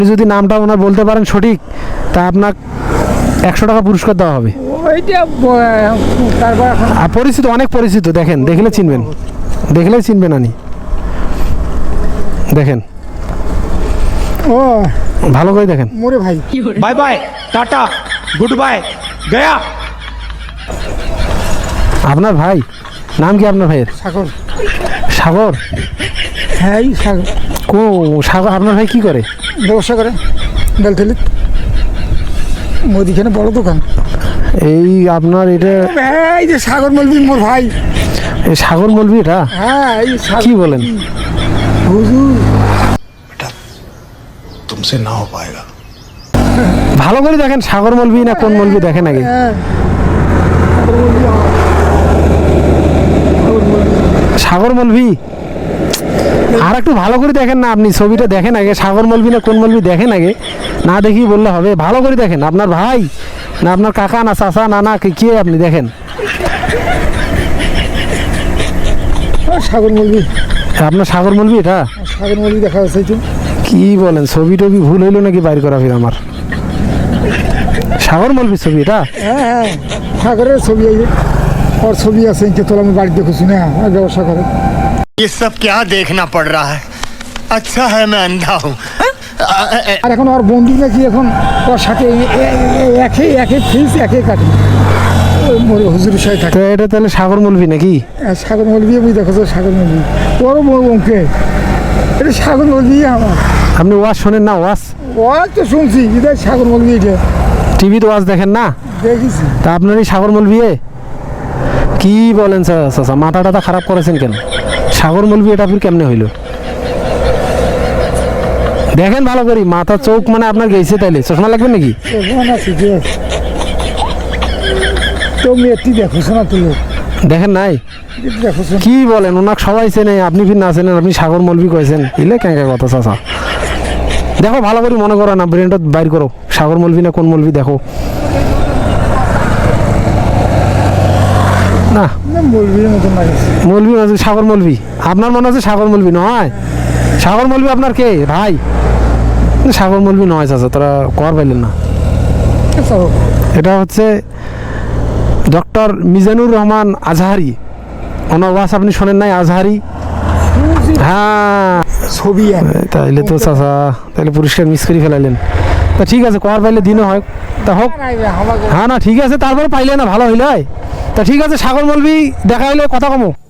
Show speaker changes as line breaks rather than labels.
যদি নামটা ওনার বলতে পারেন সঠিক, তা আপনার 100 টাকা পুরস্কার দেওয়া হবে। আর পরিচিত, অনেক পরিচিত, দেখেন দেখলে চিনবেন, দেখলেই চিনবেন। আনি দেখেন,
ও
ভালো করে দেখেন।
মোরে ভাই,
bye bye tata good bye गया।
আপনার ভাই নাম কি আপনার ভাইয়ের?
সাগর।
সাগর?
হ্যাঁ এই সাগর।
সাগর আপনার ভাই কি করে?
ব্যবসা করে বেলতলি, মুদিখানে বড় দোকান।
এই আপনার এটা
এই যে সাগর মলবি মোর ভাই।
এই সাগর মলবি এটা?
হ্যাঁ এই
কি বলেন?
হুজুর
तुमसे ना हो पाएगा।
ভালো করে দেখেন, সাগর মলবি না কোন মলবি দেখেন আগে।
হ্যাঁ
সাগর মলবি, আর একটু ভালো করে দেখেন না, আপনি ছবিটা দেখেন আগে, সাগর মলবি না কোন মলবি দেখেন আগে, না দেখি বললে হবে। ভালো করে দেখেন, আপনার ভাই না আপনার কাকা না চাচা না না কে আপনি দেখেন।
সাগর মলবি,
আপনার সাগর মলবি এটা?
সাগর মলবি দেখা যাচ্ছে তো।
কি বলেন, ছবি টবি ভুল হইলো নাকি বাইর করা ফির আমার? সাগর মলবি ছবি এটা?
হ্যাঁ হ্যাঁ সাগরের ছবি, এই যে ওর ছবি আছে ইনকে তোলা, আমি বাড়ি দেখেছি না, ব্যবসা করে।
ये सब क्या देखना पड़ रहा है। अच्छा है मैं अंधा हूँ।
আর এখন ওর বন্ধু নাকি এখন ওর সাথে একে ফিস একে কাটে, ওই মোরে হুজুরের সাথে থাকে।
তো এটা তাহলে সাগর মলবি নাকি?
সাগর মলবি, আমি দেখো সাগর মলবি, ওরও বড় অঙ্কে, এটা সাগর মলবি আমার।
আপনি ওয়াজ শোনেন না? ওয়াজ
ও তো শুনছি, এটা সাগর মলবি, এটা
টিভিতে ওয়াজ দেখেন না?
দেখেছি।
তা আপনার এই সাগর মলবি কি বলেন চাচা, মাথা টাথা খারাপ করেছেন কেন? সাগর মলবি এটা আপনি কেমনে হইল? দেখেন ভালো করি, মাথা চোখ মানে আপনার গেছে, তাইলে চশমা লাগবে নাকি?
আছে যে তো মেয়েটি দেখো শোনা তুলো,
দেখেন নাই?
দেখো শোনা।
কি বলেন, ওনাকে সবাই চেনে, আপনি ফির না চেনেন, আপনি সাগর মলবি কয়েছেন, ইলে কেঁকে কথা চাচা। দেখো ভালো করে, মনে করো না, ব্রেনটা বাইর করো, সাগর মলবি না কোন মলবি দেখো। না
মলবির মতন লাগছে।
মলবি মানে সাগর মলবি, আপনার মনে হচ্ছে সাগর মলবি নয়? সাগর মলবি আপনার কে ভাই? সাগর মলবি নয় চাচা, তোরা কর পাইলেন না। এটা হচ্ছে ডক্টর মিজানুর রহমান আজহারি, ওনার ওয়াজ আপনি শোনেন নাই? আজহারি, হ্যাঁ
ছবি
তাইলে তো চাচা, তাইলে পুরস্কার মিস করে ফেলাইলেন। তা ঠিক আছে, কর পাইলে দিনও হয়, তা হোক। হ্যাঁ না ঠিক আছে, তারপরে পাইলে না ভালো হইলে। তা ঠিক আছে, সাগর মলবি দেখা হইলে কথা কমো।